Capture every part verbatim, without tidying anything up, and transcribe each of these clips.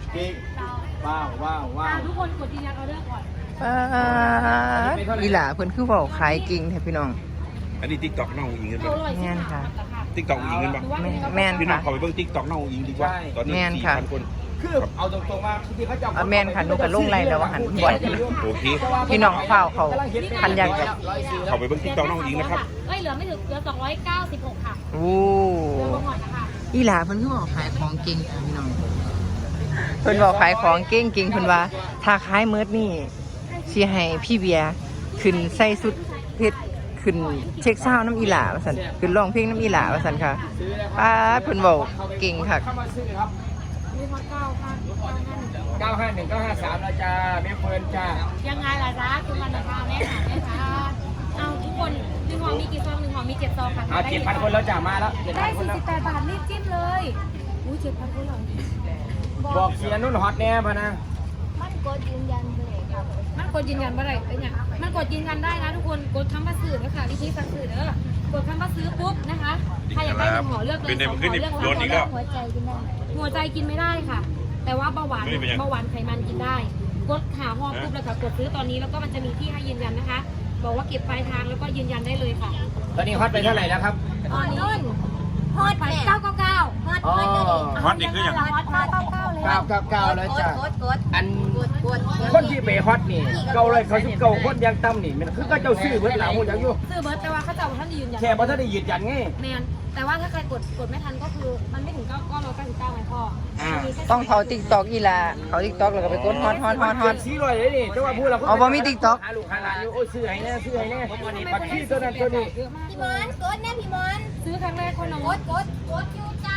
กิ๊กว้าวว้าวว้าวทุกคนกดยืนยันออเดอร์ก่อนอีหล่าเพิ่นคือเว้าขายกิ่งแท้พี่น้องอันนี้ติ๊กต็อกน้องอิงกันป่ะแม่นค่ะติ๊กต็อกอิงกันป่ะแม่นพี่น้องค่ะเขาไปเบิ่งติ๊กต็อกน้องอิงดีกว่าตอนนี้สี่พันคนคือเอาตรงๆว่าที่เขาจะอ่ะแม่นค่ะหนูก็ลงไลน์แล้วว่าหันบ่อยโอเคพี่น้องเฝ้าเขาพันอยากจะเขาไปเบิ่งติ๊กต็อกน้องอิงนะครับเอ้ยเหลือไม่ถึงเหลือสองร้อยเก้าสิบหกค่ะโอ้เหลือหน่อยนะคะอีหล่าเพิ่นคือเว้าขายของเก่งค่ะพี่น้องเพิ่นเว้าขายของเก่งเก่งเพิ่นว่าถ้าขายเมิดนี่สิให้พี่เบียร์ขึ้นใส่สุดเพชรขึ้นเช็คเศร้าน้ำอีหล่าว่าซั่นขึ้นร้องเพลงน้ำอีหล่าว่าซั่นค่ะป้าดเพิ่นเว้าเก่งค่ะเข้ามาซื้อครับมีพอเก้าค่ะเก้าห้าหนึ่งเก้าห้าสามแล้วจ้าแม่เฟิร์นจ้ายังไงล่ะจ๊ะคุณมันนะคะแม่ค่ะแม่ค่ะเอาทุกคนหนึ่งห่อมีกี่ซองหนึ่งห่อมีเจ็ดซองค่ะเอาเจ็ดพันคนแล้วจ้ามาแล้วเจ็ดได้พันคนสี่แล้วสิบแปดบาทรีบจิ้มเลยอุ้ยเจ็ดพันคนเหรอบอกเสียนุ่นฮอตแน่พะนะมันกดยืนยันเลยครับมันกดยืนยันว่าอะไรเป็นอย่างมันกดยืนยันได้นะทุกคนกดคำว่าซื้อนะคะวิธีสั่งซื้อเด้อกดคำว่าซื้อปุ๊บนะคะใครอยากได้หนึ่งห่อเลือกเลยสองห่อเลือกโดนอีกแล้วหัวใจกินได้หัวใจกินไม่ได้ค่ะ แต่ว่าเบาหวานเบาหวานไขมันกินได้กดหาห่อปุ๊บแล้วก็กดซื้อตอนนี้แล้วก็มันจะมีที่ให้ยืนยันนะคะ บอกว่าเก็บปลายทางแล้วก็ยืนยันได้เลยค่ะตอนนี้ฮอตไปเท่าไหร่แล้วครับตอนนี้ฮอตไปเก้าเก้าเก้าฮอตอ๋อฮอตนี่คืออย่างฮอตเก้าเก้าเก้าเลยเก้าเก้าเก้าแล้วจ้ากดกดอันกดกดคนที่ไปฮอตนี่เก่าเลยเขาสิเก่าคนยังต่ำนี่มันคือก็เจ้าซื้อเบิดหลังหูจังอยู่ซื้อเบิร์ตแต่ว่าเขาจะเอาท่านยืนยันแค่บ่ทันได้ยืนยันไงแมนแต่ว่าถ้าใครกดกดไม่ทันก็คือมันไม่ถึงเก้าก็ร้อยเก้าสิบเก้าไงพ่ออ่าต้องเขา TikTok อีหล่าเขา TikTok แล้วก็ไปกดฮอตฮอตฮอตฮอตสี่ร้อยเลยนี่แต่ว่าพูดเราอ๋อบ่มี TikTok หาลูกหาหลานอยู่โอ้ยซื้อให้แน่ซื้อให้แน่ปักขี้ตัวนั้นตัวนี้เยอะมากพี่เลมอย นกดแน่พี่มอนซื้อครั้งแรกคนละกมดกดกดยูจ้าก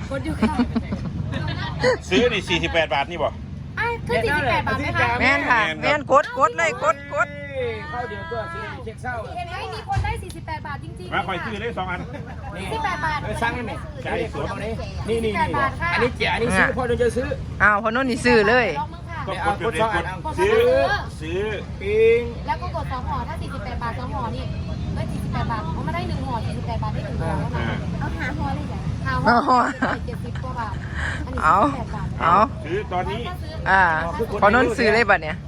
ดอยู่ค่ะซื้อนี่สี่สิบแปดบาทนี่บ่ไอ้คือสี่สิบแปดบาทไหมคะแม่นค่ะแม่นกดกดเลยกดกดเข้าเดียวตัวซื้อเช็คเศร้าไม่มีคนได้สี่สิบแปดบาทจริงๆมาคอยซื้อเลยสองอันนี่สี่สิบแปดบาทเออสั่งได้ไหมใช่สวนตรงนี้นี่นี่นี่อันนี้เจ๋ออันนี้ซื้อพอจะซื้ออ้าวพอโน่นนี่ซื้อเลยลองมึงค่ะก็กดเดี๋ยวกดซื้อซื้อปิงแล้วก็กดสองห่อถ้าสี่สิบแปดบาทสองห่อนี่ได้สี่สิบแปดบาทเพราะมันได้หนึ่งห่อสี่สิบแปดบาทได้หนึ่งห่อแล้วนะเอาหาฮอเลยจ้ะหาห่อเจ็ดสิบกว่าบาทอันนี้เอาสี่สิบแปดบาทเอาซื้อตอนนี้อ่าพอโน่นซื้อเลยบัดเนี่ย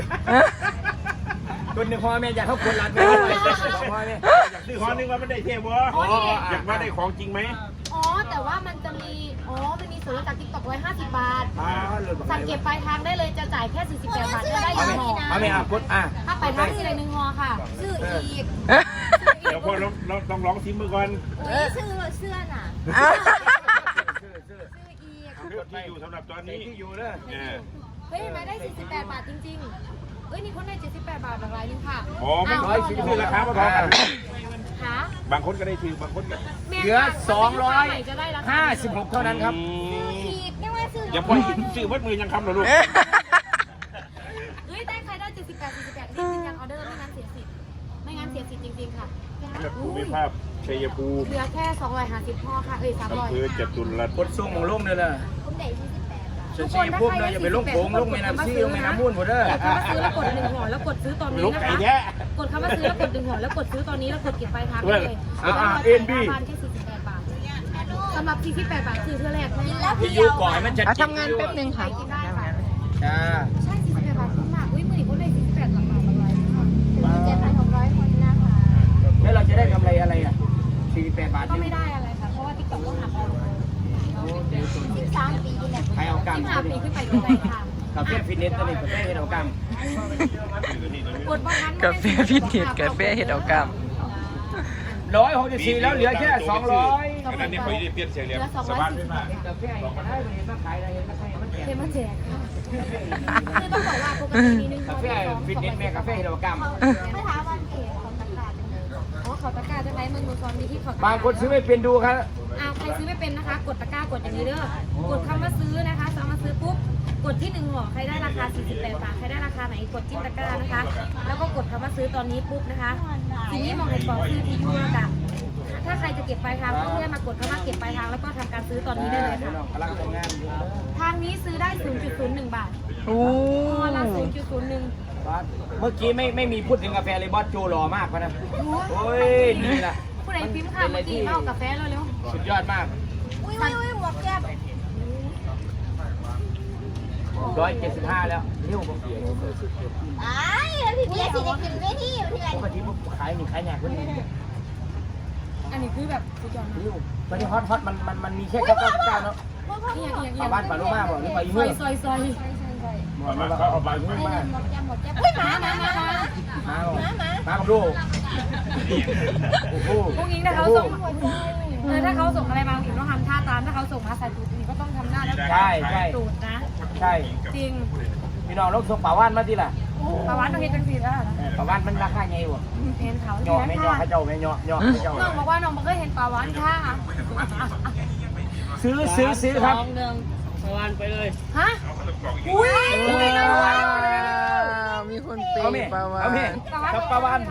คนในพ่อแม่อยากเข้าคนร้านพ่อแม่อยากซื้อหอนึงว่ามันได้เท่บ่อยากว่าได้ของจริงไหมอ๋อแต่ว่ามันจะมีอ๋อมันมีส่วนลดจากติ๊กต็อกร้อยห้าสิบบาทอ่าสั่งเก็บปลายทางได้เลยจะจ่ายแค่สี่สิบแปดบาทจะได้หเอานึ่ไหมงห่อเอาไหมอ่ะกดอ่ะถ้าปลายทางที่เลยหนึ่งห่อค่ะซื้ออีกเดี๋ยวพอเราเราต้องร้องซิมมือก่อนอุ้ยซื้อเสื้อน่ะซื้อซื้อซื้ออีกเลือกที่อยู่สำหรับตอนนี้ที่อยู่เลยเนี่ยเฮ้ยเห็นไหมได้สี่สิบแปดบาทจริงๆเฮ้ยนี่คนได้เจ็ดสิบแปดบาทหลากหลายนึงค่ะอ๋อไม่ร้อยซื้อราคาไม่พอกันค่ะบางคนก็ได้ถือบางคนก็เหลือสองร้อยห้าสิบหกเท่านั้นครับอีกยังว่าซื้ออย่าพอซื้อวัดมือยังคำเหรอลูกเฮ้ยได้ใครได้เจ็ดสิบแปดสี่สิบแปดรีบยืนยันออเดอร์ไม่งั้นเสียสิทธิ์ไม่งั้นเสียสิทธิ์จริงๆค่ะแบบภูมิภาพชัยภูมิเหลือแค่สองร้อยห้าสิบห่อค่ะเอ้ยสามร้อยอำเภอจตุรัสกดส่งของลงเลยล่ะผมได้ยี่สิบแปดบาทฉันชี้พวกเลยอย่าไปลงโขงลงแม่น้ำซี่ลงแม่น้ำมูลหมดเด้อกดคำว่าซื้อแล้วกดหนึ่งห่อแล้วกดซื้อตอนนี้ลูกนะไก่คะแท้กดคำว่าซื้อแล้วกดหนึ่งห่อแล้วกดซื้อตอนนี้แล้วกดเก็บปลายทางได้เลยอ่าราเอ็นบีคาแค่สี่สิบแปดบาทสำหรับสี่สิบแปดบาทคือเท่าแรกนะพี่ยูก่อนมันจะเอาทำงานแป๊บนึงค่ะกินได้ค่ะจ้าใช่สี่สิบแปดบาทคุ้มมากอุ้ยมือหนีคนได้สี่สิบแปดบาทหลากหลายมากเจ็ดพันหกร้อยคนนะคะแล้วเราจะได้กำไรอะไรอ่ะสี่สิบแปดบาทก็ไม่ได้อะไรค่ะเพราะว่าติ๊กต็อกก็หักเราสิบสามปีเนี่ยใครเอากรรมสิบห้าปีขึ้นไปก็ได้ค่ะกาแฟฟิตเนสตัวนี้กาแฟเฮ็ดเอากรรมกดบางครั้งกาแฟฟิตเนสกาแฟเฮ็ดเอากรรมร้อยหกสิบสี่แล้วเหลือแค่สองร้อยอันนั้นนี่เขาได้เปลี่ยนเสียงเรียงสบายขึ้นมากกาแฟจะได้เห็นมาขายอะไรเห็นมาขายมันแจกเทมาแจกค่ะคือต้องบอกว่าปกติมีหนึ่งกาแฟฟิตเนสแม่กาแฟเฮ็ดเอากรรมไม่ถามวันเอกของตลาดอ๋อเขาตะกร้าจะไหมมันมือซอนมีที่เขาบางคนซื้อไม่เป็นดูครับอ้าวใครซื้อไม่เป็นนะคะ กดตะกร้ากดอย่างนี้เด้อกดคำว่าซื้อนะคะสามารถซื้อปุ๊บกดที่หนึ่งห่อใครได้ราคาสี่สิบแปดบาทใครได้ราคาไหนกดจิ้มตะกร้านะคะ แล้วก็กดคำว่าซื้อตอนนี้ปุ๊บนะคะทีนี้มองในกล่องคือที่ยูนะคะถ้าใครจะเก็บปลายทางก็เพื่อมากดคำว่าเก็บปลายทางแล้วก็ทำการซื้อตอนนี้ได้เลยค่ะกำลังทำงานอยู่ทางนี้ซื้อได้ ศูนย์จุดศูนย์หนึ่ง บาทโอ้ห่อละ ศูนย์จุดศูนย์หนึ่งเมื่อกี้ไม่ไม่มีพูดถึงกาแฟเลยบอสโจหล่อมากพะนะโอ้ยนี่แหละผู้ใดพิมพ์ค่ะเมื่อกี้มาเอากาแฟเร็วสุดยอดมากอุ้ยอุ้ยอุ้ยหมวกแก้มๆร้อยเจ็ดสิบห้าแล้วเร็วบอกไอ้แล้วพี่เบียร์สิได้ขึ้นเวทีเพื่อนปกติผมขายนี่ขายแหนกคนนี้อันนี้คือแบบสุดยอดนะเร็วตอนนี้ฮอตฮอตมันมันมันมีแค่เก้าเก้าเก้าเนาะนี่ยังยังปลาบ้านปลาลูกมาบอกหรือปลาอีซเมื่ออยซอยซอยบอกว่าเขาเอาปลาอีเมื่อมาหมดแก้มหมดแก้มเฮ้ยหมาหมาหมาหมามามากับลูกโอ้โหพวกนี้ถ้าเขาส่งเออถ้าเขาส่งอะไรมาถึงต้องทำท่าตามถ้าเขาส่งมาใส่ตูดนี่ก็ต้องทำหน้าแล้วใช่ใช่ตูดนะใช่จริงพี่น้องลูกส่งปลาว่านมาที่ล่ะปลาวันต้องเฮ็ดจังซี่แล้วนะปลาว่านมันราคาไงวะเห็นเขาหยอกไม่หยอกเขาเจ้าไม่หยอกหยอกเขาเจ้าน้องบอกว่าน้องบ่เคยเห็นปลาวันค่ะซื้อซื้อซื้อครับฮะอุ้ยว้าวมีคนเปเอาย์เมปลาวาเอาเมนครับปลาว่าน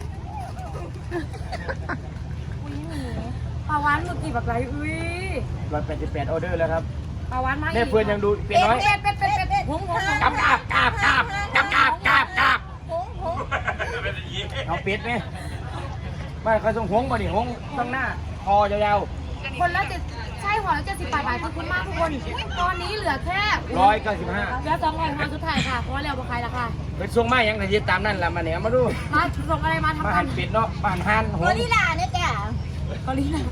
ปลาวันหมึกกี่แบบไรอุ้ยร้อยแปดสิบแปดออเดอร์แล้วครับปลาวันมาอีกแม่เพื่อนยังดูเป็นน้อยเป็ดเป็ดเป็ดเป็ดเป็ดหงหงหงกราบกราบกราบกราบกราบกราบกราบกราบหงหงเอาเป็ดไหมไม่เขาส่งหงมาดิหงต้องหน้าคอยาวคนละเจ็ดใช่หัวละเจ็ดสิบบาทบาทขอบคุณมากทุกคน ตอนนี้เหลือแค่ๆร้อยเก้าสิบห้าเหลือสองร้อยมาสุดท้ายค่ะ เพราะว่าเราบอกใครละค่ะเป็นส่งมาอย่างไรตามนั่นแหละมาเนี่ยมาดูมาส่งอะไรมาทำมากัหันนเป็ดเนาะมาหันหันหโคงลิลาเนี่ยจ้ะเกาหลีนะ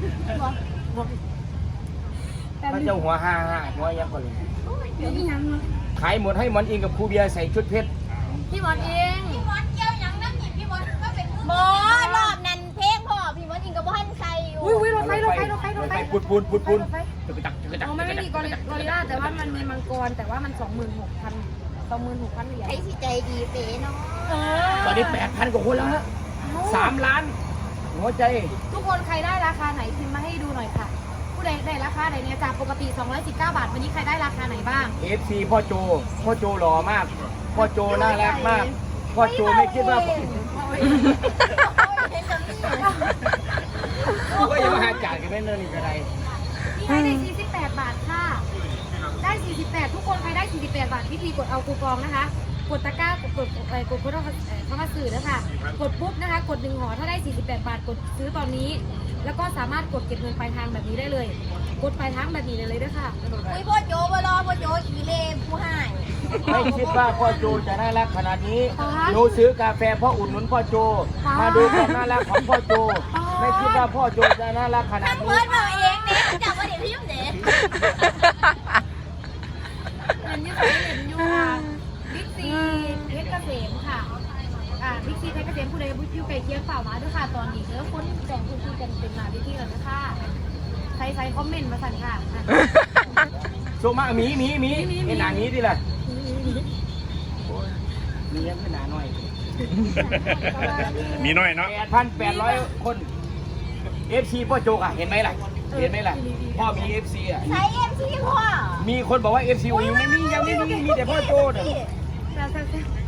แต่พระนี่เจ้าหัวห้าห้าหัวยักษ์กว่าเลยนี่ยังขายหมดให้หมอนอิงกับครูเบียร์ใส่ชุดเพชรพี่มอนเองพี่มดเกี่ยวยังนั่งหยิบพี่มดก็เป็นบอรอบนั้นเพลงพ่อพี่มดอิงกับบ้านใส่อยู่อุ้ยอุ้ยรถไฟรถไฟรถไฟรถไฟปูนปูนปูนปูนรถไฟจะไปตักจะไปตักอ๋อมันไม่มีกอริกอริลล่าแต่ว่ามันมีมังกรแต่ว่ามันสองหมื่นหกพันสองหมื่นหกพันเหรียญใครสิใจดีเป๋เนาะเออตอนนี้แปดพันกว่าคนแล้วฮะสามล้านหัวใจทุกคนใครได้ราคาไหนพิมพ์มาให้ดูหน่อยค่ะ ผู้ใดได้ราคาไหนเนี่ยจากปกติสองร้อยสิบเก้าบาทวันนี้ใครได้ราคาไหนบ้างเอฟซีพ่อโจพ่อโจหล่อมาก พ่อโจน่ารักมาก พ่อโจไม่คิดว่าเห็นแบบนี้ก็ยังมาหาจ่ายกันไม่เนินอีกอะไรนี่ให้ได้สี่สิบแปดบาทค่ะ ได้สี่สิบแปดทุกคนใครได้สี่สิบแปดบาทวิธีกดเอาคูปองนะคะ กดตะกร้ากดกดกดกดกดเข้ามาสื่อนะคะกดปุ๊บนะคะ กดหนึ่งห่อถ้าได้สี่สิบแปดบาทกดซื้อตอนนี้ แล้วก็สามารถกดเก็บเงินปลายทางแบบนี้ได้เลย กดปลายทางแบบนี้เลยเลยด้วยค่ะอุ้ยพ่อโจบรอพ่อโจขี่เล่ผู้ให้ไม่คิดว่าพ่อโจจะน่ารักขนาดนี้หนูซื้อกาแฟเพ่ออุดหนุนพ่อโจ มาดูความน่ารักของพ่อโจ ไม่คิดว่าพ่อโจจะน่ารักขนาดทำนี้เพิร์ดมาเองเนี่ยจับมาเดี๋ยวพี่ยุ่งเด็เห็นอยูใส่เห็นอยูค่ะบิ๊กซีเพชรเกษมค่ะ อ่าบิ๊กซีเพชรเกษมผู้ใดบุญยูไก่เคียงเปล่ามาด้วยค่ะตอนนี้เนื้อคนแต่งคุณคุยกันเป็นมาวิธีแล้วนะคะใส่ใส่คอมเมนต์มาสั่นค่ะโซมาหมีหมีหมีเป็นหนาหมีดิล่ะมียังเป็นหนาหน่อยมีน้อยเนาะแปดพันแปดร้อยคนเอฟซีพ่อโจอ่ะเห็นไหมล่ะเห็นไหมล่ะพ่อมีเอฟซีอ่ะใช้เอ็มซีพ่อมีคนบอกว่าเอฟซียังไม่มียังไม่มีมีแต่พ่อโจเนี่ยแล้ว